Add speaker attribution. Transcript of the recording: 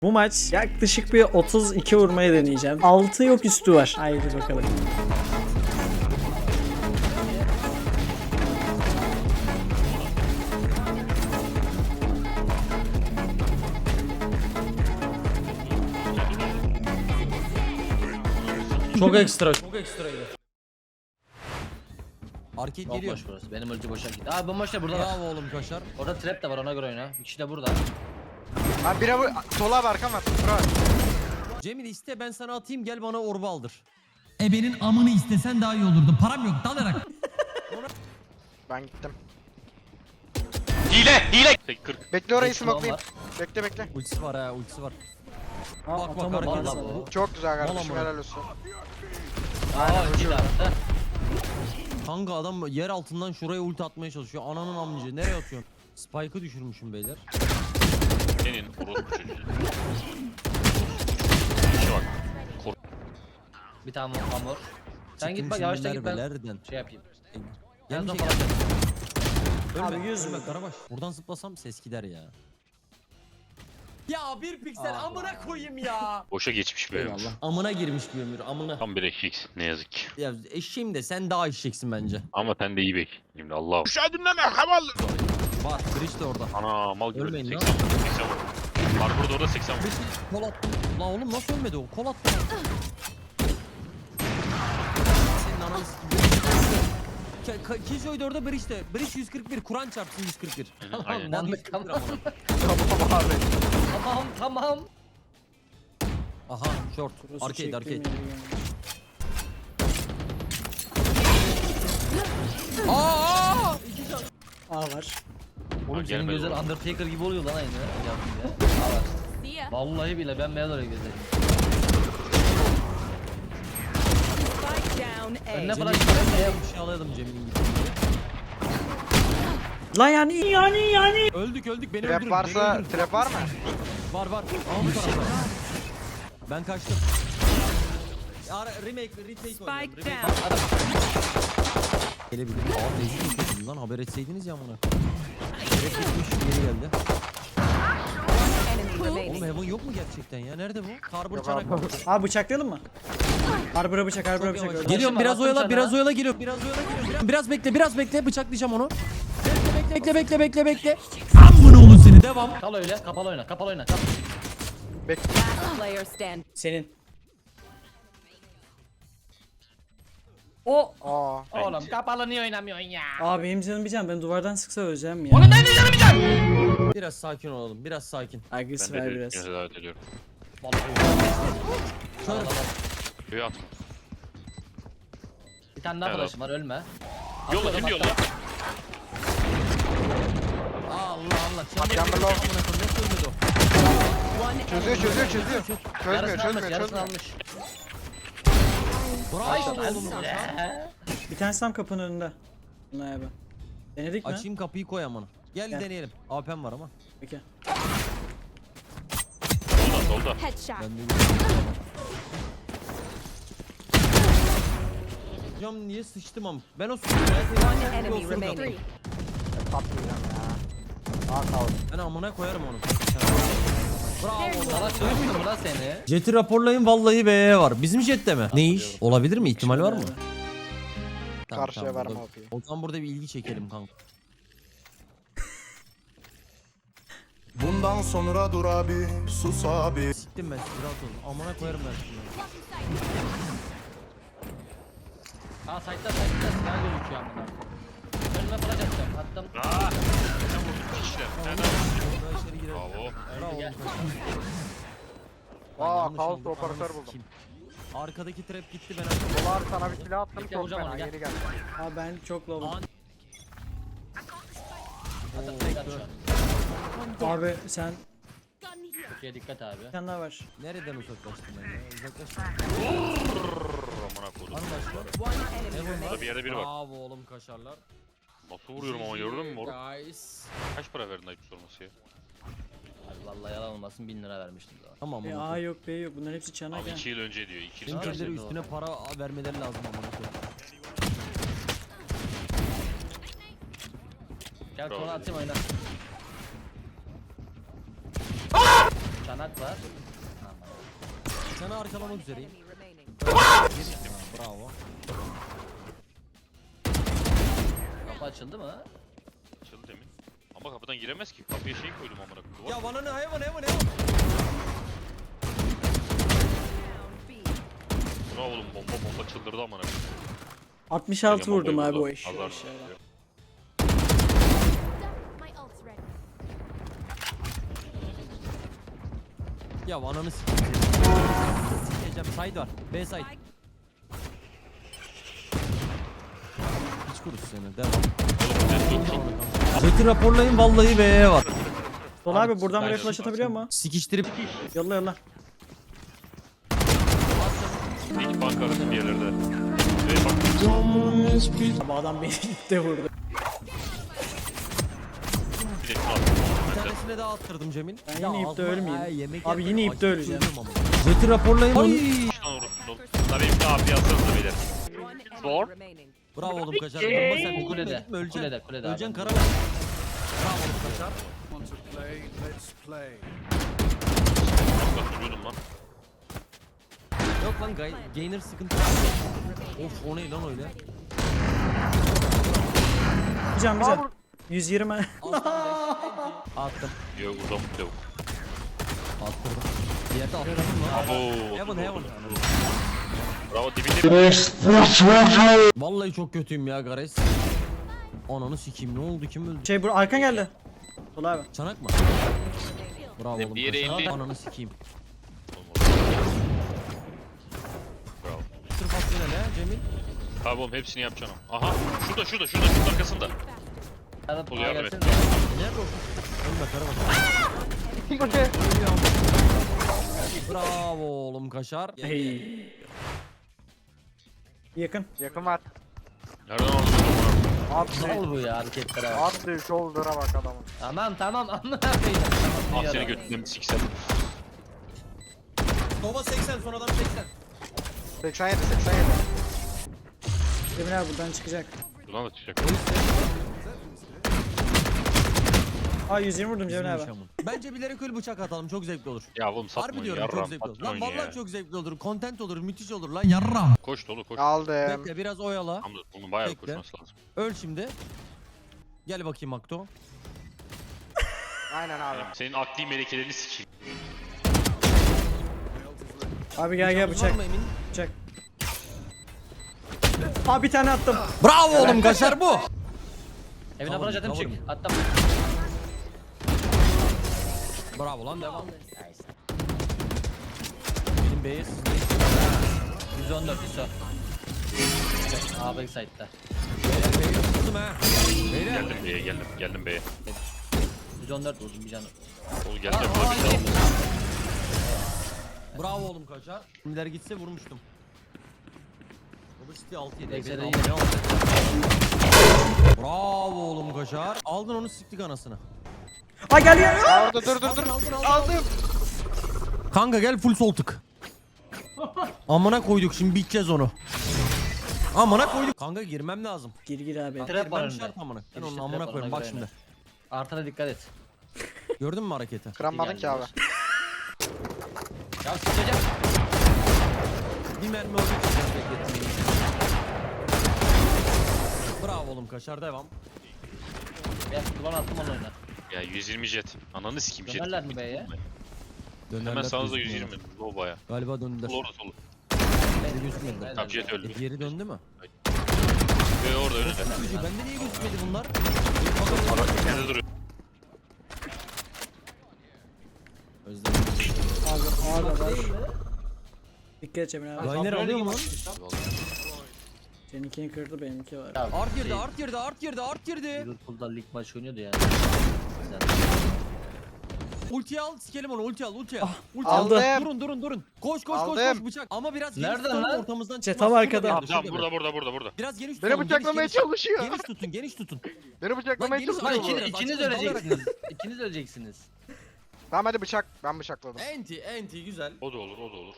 Speaker 1: Bu maç yaklaşık bir 32 vurmaya deneyeceğim. 6 yok üstü var. Haydi bakalım.
Speaker 2: Çok ekstra, çok ekstraydı. Arcade geliyor.
Speaker 3: Bomboş burası. Benim ulti boşa gitti. Abi bomboş da burada var.
Speaker 2: Bravo oğlum Kaşar.
Speaker 3: Orada trap de var, ona göre oyna. Bir kişi de burada.
Speaker 4: Abi biri bu sola abi arkam var. Bura.
Speaker 2: Cemil iste ben sana atayım gel bana orba aldır.
Speaker 5: Ebenin amını istesen daha iyi olurdu. Param yok dalarak.
Speaker 4: Ben gittim.
Speaker 6: Hile! 40.
Speaker 4: Bekle orayı
Speaker 3: Bekle,
Speaker 4: smoke'layım.
Speaker 3: var.
Speaker 4: Bekle.
Speaker 2: Ultisi var ha ultisi var.
Speaker 1: Aa,
Speaker 2: Bak bak
Speaker 1: atamadım
Speaker 2: hareket
Speaker 3: vallahi
Speaker 2: sana.
Speaker 3: bu.
Speaker 4: Çok güzel kardeşim,
Speaker 2: Vallahi.
Speaker 4: helal olsun.
Speaker 3: Aa, ulti de attı.
Speaker 2: Kanka adam yer altından şuraya ulti atmaya çalışıyor. Ananın amcı nereye atıyorsun? Spike'ı düşürmüşüm beyler.
Speaker 6: Senin orospu çocuğu. İşe bak.
Speaker 3: Bir tane hamur. Sen git bak, yavaştan git, ben
Speaker 2: Nereden?
Speaker 3: şey yapayım.
Speaker 2: Gelin
Speaker 3: Yazdan
Speaker 2: şey
Speaker 3: falan.
Speaker 2: Ölme,
Speaker 1: Abi, 100
Speaker 2: ölme
Speaker 1: mü?
Speaker 2: Karabaş. Buradan zıplasam ses gider ya. Ya bir piksel amına koyayım ya.
Speaker 6: Boşa geçmiş be.
Speaker 2: Amına girmiş bir ömür amına.
Speaker 6: Tam bir eşeksin ne yazık ki.
Speaker 2: Ya eşeğim de sen daha eşeksin bence.
Speaker 6: Ama sen de iyi bek. Şimdi Allah.
Speaker 2: Var Bridge de orada.
Speaker 6: Ana mal gibi.
Speaker 2: Ölmeyin
Speaker 6: 80
Speaker 2: lan.
Speaker 6: 80 vur. Var burada orada 80 vur.
Speaker 2: Bridge kol attı. Lan oğlum nasıl ölmedi o? Kol attı. Senin ananı s***. Kijoy da orada Bridge de. Bridge 141. Kur'an çarpsın 141.
Speaker 6: Aynen.
Speaker 2: Lan
Speaker 3: Tamam,
Speaker 2: 141
Speaker 3: tamam.
Speaker 2: amına.
Speaker 4: Tamam abi.
Speaker 3: Tamam.
Speaker 2: Aha short.
Speaker 1: Burası
Speaker 2: Arcade
Speaker 1: çektiğim
Speaker 2: arcade.
Speaker 1: yeri yani.
Speaker 2: Aa!
Speaker 1: A var.
Speaker 3: Oğlum senin
Speaker 6: gelmedi
Speaker 3: gözler
Speaker 6: oğlum.
Speaker 3: Undertaker gibi oluyor lan aynı. Yaptın ya. Aa, bak. Vallahi bile ben beyaz oraya gözlerim. Önüne falan
Speaker 2: Bir şey alayalım Cemil'in gibi.
Speaker 1: Lan yani.
Speaker 2: Öldük beni
Speaker 4: Trap
Speaker 2: öldürün.
Speaker 4: varsa
Speaker 2: beni öldürün.
Speaker 4: trap var mı?
Speaker 2: Var. Aa bu tarafta. Ben kaçtım. Retake oynuyorum.
Speaker 7: Spike
Speaker 2: Remake.
Speaker 7: down.
Speaker 2: Gelebilir. Aa tezgah yapıyordum lan haber etseydiniz ya bana. Direkt gitmiş geri geldi. Oğlum Heaven yok mu gerçekten ya? Nerede bu? Karbur
Speaker 4: Yok
Speaker 2: çanak.
Speaker 4: abi.
Speaker 1: Abi bıçaklayalım mı? Harbura bıçak.
Speaker 2: Geliyorum
Speaker 3: Başım
Speaker 2: biraz
Speaker 3: var,
Speaker 2: oyala
Speaker 3: attım
Speaker 2: biraz
Speaker 3: sana.
Speaker 2: oyala geliyorum. Biraz bekle bıçaklayacağım onu. Bekle.
Speaker 5: Amına oğlum seni.
Speaker 2: Devam.
Speaker 3: Kal öyle, kapalı oyna.
Speaker 7: Player stand.
Speaker 1: Senin. O.
Speaker 4: Aa.
Speaker 3: Oğlum kapalı niye oynamıyorsun ya?
Speaker 1: Abi benim canım bir can. Ben duvardan sıksa öleceğim ya.
Speaker 2: Biraz sakin olalım. Biraz sakin.
Speaker 1: Agresif
Speaker 6: Ben
Speaker 1: ver
Speaker 6: de
Speaker 1: biraz.
Speaker 6: biraz davet ediyorum.
Speaker 2: Şöyle
Speaker 6: Köye atma.
Speaker 3: Bir tane daha
Speaker 6: Evet.
Speaker 3: flash'ım var, ölme.
Speaker 6: Yolla kim yolla?
Speaker 2: Allah.
Speaker 4: Chamberlain.
Speaker 2: Amına koyayım, nasıl ölmedi o?
Speaker 4: Çözüyor. Çözmüyor.
Speaker 3: Yarısını almış.
Speaker 2: Bravo oğlum.
Speaker 1: Bir tanesi tam kapının önünde. Bunlar abi. Denedik mi?
Speaker 2: Açayım kapıyı koy amına. Gel
Speaker 1: Gel.
Speaker 2: deneyelim. AP'm var ama.
Speaker 1: Peki.
Speaker 6: Solda.
Speaker 7: Headshot.
Speaker 2: Ben de Hocam niye sıçtım am? Ben o sıçtım.
Speaker 7: One enemy remaining.
Speaker 2: Ben amına koyarım onu. Bravo.
Speaker 3: Sana sövmüyor mu lan seni?
Speaker 2: Jet'i raporlayın vallahi BE var. Bizim jette mi? Ne iş? Olabilir mi? İhtimal var mı?
Speaker 4: Karşıya verme
Speaker 2: burada-
Speaker 4: OP'yi.
Speaker 2: O zaman burada bir ilgi çekelim kanka.
Speaker 8: Bundan sonra dur abi, sus abi.
Speaker 2: Siktim ben sizi rahat olun. Amına koyarım ben sizi.
Speaker 3: Aa site'da silah gözüküyor amına. Önüme flash atacağım. Attım.
Speaker 6: Sen vurdun kişiler. Nereden?
Speaker 2: Buradan içeri girelim.
Speaker 6: Bravo.
Speaker 2: Bravo.
Speaker 3: Gel.
Speaker 2: Ben
Speaker 4: Aa
Speaker 2: yanlış
Speaker 4: kaos
Speaker 2: aldım,
Speaker 4: operatör
Speaker 2: ananı
Speaker 4: buldum.
Speaker 2: sikeyim. Arkadaki trap gitti ben açtım.
Speaker 4: Dolar sana bir silah attım,
Speaker 3: Bekle,
Speaker 4: çok
Speaker 3: vuracağım
Speaker 4: fena
Speaker 3: onu, gel.
Speaker 4: geri geldi.
Speaker 1: Abi ben çok low.
Speaker 2: An-
Speaker 3: Attım fake at şu an.
Speaker 1: Abi sen
Speaker 3: Türkiye dikkat abi.
Speaker 1: bir tane daha var.
Speaker 2: Nereden uzaklaştım ben ya? Uzaklaştım.
Speaker 6: Amına koydum.
Speaker 2: Var mı başka?
Speaker 7: One enemy remaining.
Speaker 6: Burada bir yerde biri var.
Speaker 2: Bravo oğlum kaşarlar.
Speaker 6: Nasıl vuruyorum ama gördün mü moruk?
Speaker 2: Guys.
Speaker 6: Kaç para verdin ayıp sorması ya?
Speaker 3: Abi vallahi yalan olmasın 1000 lira vermiştim daha.
Speaker 2: Tamam
Speaker 1: E,
Speaker 2: onu.
Speaker 1: A yok B yok. Bunların hepsi çanak
Speaker 6: Abi
Speaker 1: ya.
Speaker 6: 2 yıl önce diyor. 2 yıl önce.
Speaker 2: Kendileri üstüne para vermeleri lazım amına koyayım.
Speaker 3: Gel
Speaker 6: Bravo.
Speaker 3: konu atayım oyna. Çanak Çanak var.
Speaker 2: Sana arkalamak üzereyim.
Speaker 7: Enemy remaining.
Speaker 2: Bravo.
Speaker 3: Kapı açıldı mı?
Speaker 6: Açıldı demin. Ama kapıdan giremez ki. Kapıya şey koydum amına koyayım. Duvar.
Speaker 2: Ya bana ne hayvan.
Speaker 7: Down B.
Speaker 6: Bravo oğlum bomba çıldırdı amına koyayım.
Speaker 1: 66
Speaker 6: Bombayı
Speaker 1: vurdum abi
Speaker 6: vurdu.
Speaker 1: o iş.
Speaker 6: Azar.
Speaker 7: My ult's ready.
Speaker 2: Ya ananı sikeyim. Sikeceğim. Side var. B side. Hiç kurusu seni. Devam. Jet'i raporlayın vallahi B'ye var.
Speaker 1: Sol abi buradan buraya flash atabiliyor mu?
Speaker 2: Sikiştirip
Speaker 1: Yolla yolla.
Speaker 6: İlk bank arası bir yerlerde. Ve bak.
Speaker 1: Abi adam beni ipte vurdu.
Speaker 6: Bir de şunu attım.
Speaker 2: bir tanesine daha attırdım Cemil.
Speaker 1: Ben yine ipte ölmeyeyim.
Speaker 2: Yemek
Speaker 1: Abi yine ipte öleceğim.
Speaker 2: Jet'i raporlayın onu.
Speaker 6: Şuna vurursun oğlum. Bunları hepsini abi yazsanıza beyler.
Speaker 7: One
Speaker 6: Zor.
Speaker 7: enemy remaining.
Speaker 2: Bravo oğlum kaçar. Durma sen
Speaker 3: Bu kulede,
Speaker 2: gitme öleceksin.
Speaker 3: kulede, kulede abi.
Speaker 2: Öleceksin karavan. Bravo oğlum kaçar.
Speaker 6: Bak vuruyordum lan.
Speaker 2: Yok lan gainer sıkıntı. Of o ne lan öyle?
Speaker 1: Bir can bir can. 120.
Speaker 2: Attım.
Speaker 6: Yok buradan bu yok.
Speaker 2: Attırdım. Bir yerde attırdım lan.
Speaker 6: Abo.
Speaker 2: Heaven.
Speaker 6: Bravo dibinde.
Speaker 2: Vallahi çok kötüyüm ya Gares. Ananı sikeyim ne oldu kim öldü?
Speaker 1: Şey bu arkan geldi. Sol abi.
Speaker 2: Çanak mı? Bravo oğlum.
Speaker 6: Bir yere
Speaker 2: kaçar.
Speaker 6: indi.
Speaker 2: Ananı sikeyim.
Speaker 6: Bravo.
Speaker 2: Sırf aslında ne Cemil?
Speaker 6: Abi oğlum hepsini yapacağım. Aha şurada şunun arkasında.
Speaker 3: Arada
Speaker 6: Oluyor, yardım et.
Speaker 3: gelsene.
Speaker 2: Nerede o? Ölme karavan. Bravo oğlum kaşar.
Speaker 1: Hey. Yakın.
Speaker 4: Yakın var.
Speaker 6: Nereden aldın?
Speaker 3: Ne oldu bu ya hareketler abi?
Speaker 4: Attı shoulder'a bak adamın.
Speaker 3: Tamam amına koyayım.
Speaker 6: Ah seni götünden siksen.
Speaker 2: Nova 80 son adam 80.
Speaker 4: 87.
Speaker 1: Cemil abi buradan çıkacak.
Speaker 6: Buradan da çıkacak.
Speaker 1: Aa 120 vurdum Cemil abi.
Speaker 2: Bence bilerek öyle bıçak atalım çok zevkli olur.
Speaker 6: Ya oğlum
Speaker 2: Harbi
Speaker 6: satmayın
Speaker 2: diyorum çok
Speaker 6: yarram.
Speaker 2: zevkli olur. Lan
Speaker 6: Satmayın
Speaker 2: vallahi
Speaker 6: ya.
Speaker 2: çok zevkli olur. Content olur, müthiş olur lan.
Speaker 5: Yarram.
Speaker 6: Koş dolu koş.
Speaker 4: Aldım.
Speaker 2: Bekle biraz oyala.
Speaker 6: Tamam bunun bayağı
Speaker 2: Bekle.
Speaker 6: koşması lazım.
Speaker 2: Öl şimdi. Gel bakayım Akto.
Speaker 4: Aynen abi.
Speaker 6: Senin akli melekelerini sikeyim.
Speaker 1: Abi gel
Speaker 2: Var
Speaker 1: bıçak.
Speaker 2: mı Emin?
Speaker 1: Bıçak. Aa bir tane attım.
Speaker 2: Bravo oğlum kaşar bu.
Speaker 3: Evine
Speaker 2: Cover
Speaker 3: bırak
Speaker 2: me,
Speaker 3: atım
Speaker 2: cover
Speaker 3: çık. Attım.
Speaker 2: Bravo lan devam. Benim B'ye
Speaker 3: 114 ISO. A backside'da.
Speaker 2: B'ye tuttum ha. Beyler.
Speaker 6: Geldim B'ye.
Speaker 3: 114 vurdum bir canı.
Speaker 6: Oğlum geldim burada bir şey aldım.
Speaker 2: Bravo oğlum kaçar. Kimler gitse vurmuştum. Obesity 6 7.
Speaker 3: Backside iyi.
Speaker 2: Bravo oğlum kaşar. Aldın onu siktik anasını.
Speaker 1: Aa geliyor.
Speaker 4: Orada dur. Aldım.
Speaker 2: Kanka gel full sol tık. Amına koyduk şimdi biteceğiz onu. Amına koyduk. Kanka girmem lazım.
Speaker 1: Gir abi.
Speaker 3: Trap var
Speaker 2: Girmem
Speaker 3: önünde.
Speaker 2: şart amına. Ben
Speaker 3: Girişte
Speaker 2: onun amına
Speaker 3: trap var,
Speaker 2: koyayım bak
Speaker 3: ona
Speaker 2: şimdi.
Speaker 3: göre Artana dikkat et.
Speaker 2: Gördün mü hareketi?
Speaker 4: Kıramadın ki abi.
Speaker 3: Ya sıçacağım.
Speaker 2: Bir mermi oldu ki beklettim. Bravo oğlum kaşar devam.
Speaker 3: Ben duvar attım onun oyuna.
Speaker 6: Ya 120 jet. Ananı sikeyim jet.
Speaker 3: Dönerler mi B'ye?
Speaker 6: Hemen sağınızda
Speaker 2: gözükmüyor.
Speaker 6: 120. Low baya.
Speaker 2: Galiba döndüler.
Speaker 6: Sol orada solu.
Speaker 2: Beni gözükmediler.
Speaker 6: Tamam jet öldü.
Speaker 2: Geri döndü mü?
Speaker 6: Ve orada önünde.
Speaker 2: Çocuğu bende niye gözükmedi bunlar?
Speaker 6: Nerede duruyor?
Speaker 2: Özledim.
Speaker 1: Abi var. Dikkat et Cemil abi.
Speaker 2: Liner alıyor mu lan?
Speaker 1: Seninkini kırdı benimki var.
Speaker 3: Ya,
Speaker 2: Art girdi,
Speaker 3: şey,
Speaker 2: art girdi.
Speaker 3: Liverpool'da lig maçı oynuyordu yani.
Speaker 2: Ulti al, sikelim onu, ulti al. Ulti
Speaker 1: aldım.
Speaker 2: al. Durun. Koş
Speaker 4: Aldım.
Speaker 2: bıçak. Ama biraz geniş
Speaker 3: Nereden
Speaker 2: tutalım,
Speaker 3: lan?
Speaker 2: ortamızdan
Speaker 1: İşte
Speaker 2: çıkmaz.
Speaker 1: tam arkada.
Speaker 2: Şurada bir
Speaker 6: Tamam
Speaker 2: yerde, şurada bir-
Speaker 6: burada.
Speaker 2: Biraz geniş
Speaker 4: Beni
Speaker 2: tutalım.
Speaker 4: bıçaklamaya çalışıyor.
Speaker 2: Geniş tutun.
Speaker 4: Beni bıçaklamaya
Speaker 2: Lan geniş
Speaker 4: çalışıyor.
Speaker 2: tutun.
Speaker 4: bu.
Speaker 2: Biraz
Speaker 3: İkiniz
Speaker 2: açılın,
Speaker 3: öleceksiniz. İkiniz öleceksiniz.
Speaker 4: Tamam hadi bıçak. Ben bıçakladım.
Speaker 2: Enti güzel.
Speaker 6: O da olur.